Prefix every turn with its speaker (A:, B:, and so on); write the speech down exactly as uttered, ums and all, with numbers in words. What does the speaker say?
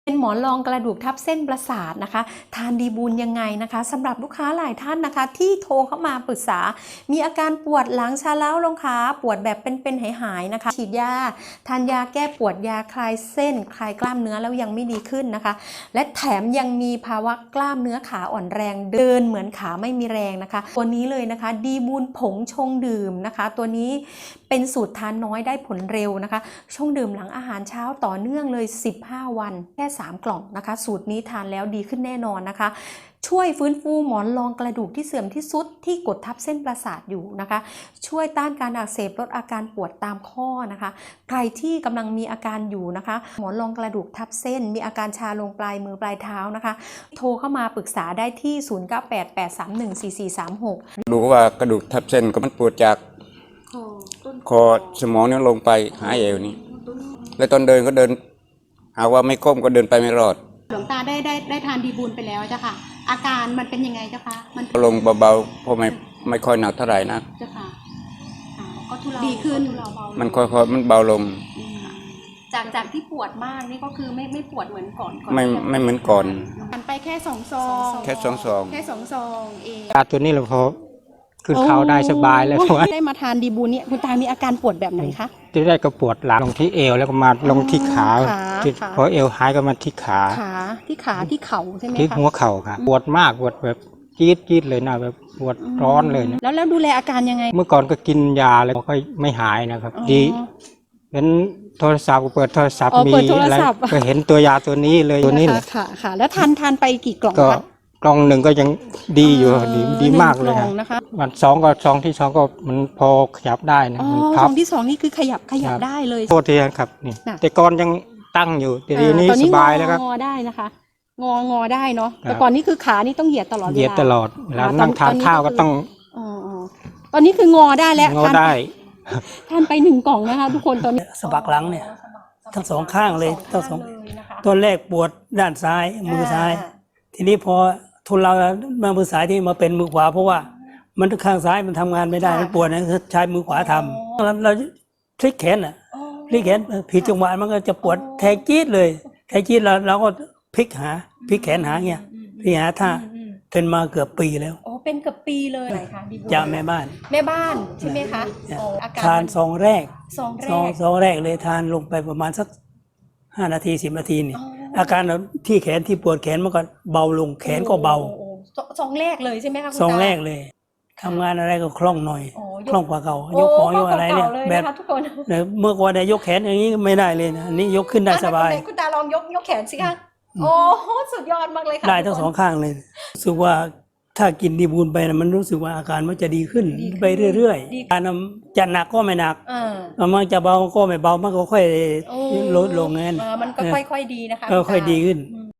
A: เป็นหมอนรองกระดูกทับเส้นประสาทนะคะทานดีบูลยังไงนะคะสำหรับลูกค้าหลายท่านนะคะที่โทรเข้ามาปรึกษามีอาการปวดหลังชาเล้าลงขาปวดแบบเป็นๆหายๆนะคะฉีดยาทานยาแก้ปวดยาคลายเส้นคลายกล้ามเนื้อแล้วยังไม่ดีขึ้นนะคะและแถมยังมีภาวะกล้ามเนื้อขาอ่อนแรงเดินเหมือนขาไม่มีแรงนะคะตัวนี้เลยนะคะดีบูลผงชงดื่มนะคะตัวนี้เป็นสูตรทานน้อยได้ผลเร็วนะคะชงดื่มหลังอาหารเช้าต่อเนื่องเลยสิบห้าวันแค่สามกล่องนะคะสูตรนี้ทานแล้วดีขึ้นแน่นอนนะคะช่วยฟื้นฟูหมอนรองกระดูกที่เสื่อมที่สุดที่กดทับเส้นประสาทอยู่นะคะช่วยต้านการอักเสบลดอาการปวดตามข้อนะคะใครที่กำลังมีอาการอยู่นะคะหมอนรองกระดูกทับเส้นมีอาการชาลงปลายมือปลายเท้านะคะโทรเข้ามาปรึกษาได้ที่ศูนย์ เก้า แปด แปด สาม หนึ่ง สี่ สี่ สาม หก
B: ดูว่ากระดูกทับเส้นก็มันปวดจากคอสมองนี่ลงไปหาเอวนี่แล้วตอนเดินก็เดินหาว่าไม่ก้มก็เดินไปไม่รอด
C: หลวงตาได้ได้ได้ทานดีบูลไปแล้วเจ้าค่ะอาการมันเป็นยังไงเจ้าคะมัน
B: ลงเบาๆเพราะไม่ไม่ค่อยหนักเท่าไหร่นะ
C: เจ้าค่ะก็ทุเลาดีขึ้น
B: มันค่อยๆมันเบาลง
C: จากจากที่ปวดมากนี่ก็คือไม่ไม่ปวดเหมือนก่อน
B: ไม่ไม่เหมือนก่อน
C: มันไปแค่สองซอง
B: แค่สองซอง
C: แค่สองซองเอง
D: ยาตัวนี้เราพอขึ้นเขาได้สบายแล้ว
C: ได้มาทานดีบูลเนี่ยคุณตามีอาการปวดแบบไหนคะ
D: ที่ได้ก็ปวดหลังลงที่เอวแล้วก็มาลงที่ขาพอเอวหายก็มาที่ขา
C: ขาที่ขาที่เข่าใช่ไหมคะ
D: ที่หัวเข่าค่ะปวดมากปวดแบบจี๊ดจี๊ดเลยนะแบบปวดร้อนเลย
C: แล้วแล้วดูแลอาการยังไง
D: เมื่อก่อนก็กินยาแล้วก็ไม่หายนะครับดีเห็นโทรศัพท์เปิดโทรศัพท์มีอะไรก็เห็นตัวยาตัวนี้เลยตัวนี้เลย
C: ค่ะค่ะแล้วทานทานไปกี่กล่องคะ
D: กล่องหนึ่งก็ยังดีอยู่ดีดีมากเลยนะคะวันสองก็ซองที่สองก็มันพอขยับได้นะ
C: มันพับซองที่สองนี่คือขยับขยับได้เลย
D: โทษทีครับนี่แต่ก่อนยังตั้งอยู่แต่ทีนี้สบายแล้วครับ
C: งอได้นะคะงองอได้เนาะแต่ก่อนนี้คือขานี่ต้องเหยียดตลอดเวลา
D: เหยียดตลอดแล้วนั่งทานข้าวก็ต้อง
C: อ๋อตอนนี้คืองอได้แล้ว
D: งอได้
C: ทานไปหนึ่งกล่องนะคะทุกคนตอนนี้
E: สะบักหลังเนี่ยทั้งสองข้างเลยทั้งสองตอนแรกปวดด้านซ้ายมือซ้ายทีนี้พอทุนเรามามือซ้ายที่มาเป็นมือขวาเพราะว่ามันข้างซ้ายมันทำงานไม่ได้มันปวดนะใช้มือขวาทำเราเราพลิกแขนอ่ะพลิกแขนผิดจังหวะมันก็จะปวดแทงจี๊ดเลยแทงจี๊ดเราเราก็พลิกหาพลิกแขนหาเงี้ยพลิกหาท่าเป็นมาเกือบปีแล้ว
C: โอ้เป็นเกือบปีเลยค่ะ
E: จากแม่บ้าน
C: แม่บ้านใช่ไหมคะ
E: ทานซองแรก
C: ซองแรก
E: ซองแรกเลยทานลงไปประมาณสักห้านาทีสิบนาทีนี่อาการที่แขนที่ปวดแขนมันก็เบาลงแขนก็เบา
C: ซองแรกเลยใช่ไหมคะ
E: ซองแรกเลยทำงานอะไรก็คล่องหน่อยคล่องกว่าเก่ายกของยกอะไรเนี่ยแบบเมื่อก่อนเนี่ยยกแขนอย่างนี้ไม่ได้เลยนะอันนี้ยกขึ้นได้สบาย
C: คุณตาลองยกยกแขนสิคะโอ้สุดยอดมากเลยค่ะ
E: ได้ทั้งสองข้างเลยรู้สึกว่าถ้ากินดีบูลไปนะมันรู้สึกว่าอาการมันจะดีขึ้นไปเรื่อยๆการจะหนักก็ไม่หนักมันจะเบาก็ไม่เบามันก็ค่อยลดลงงั้น
C: มันก็ค่อยๆดีนะคะ
E: ก็ค่อยดีขึ้น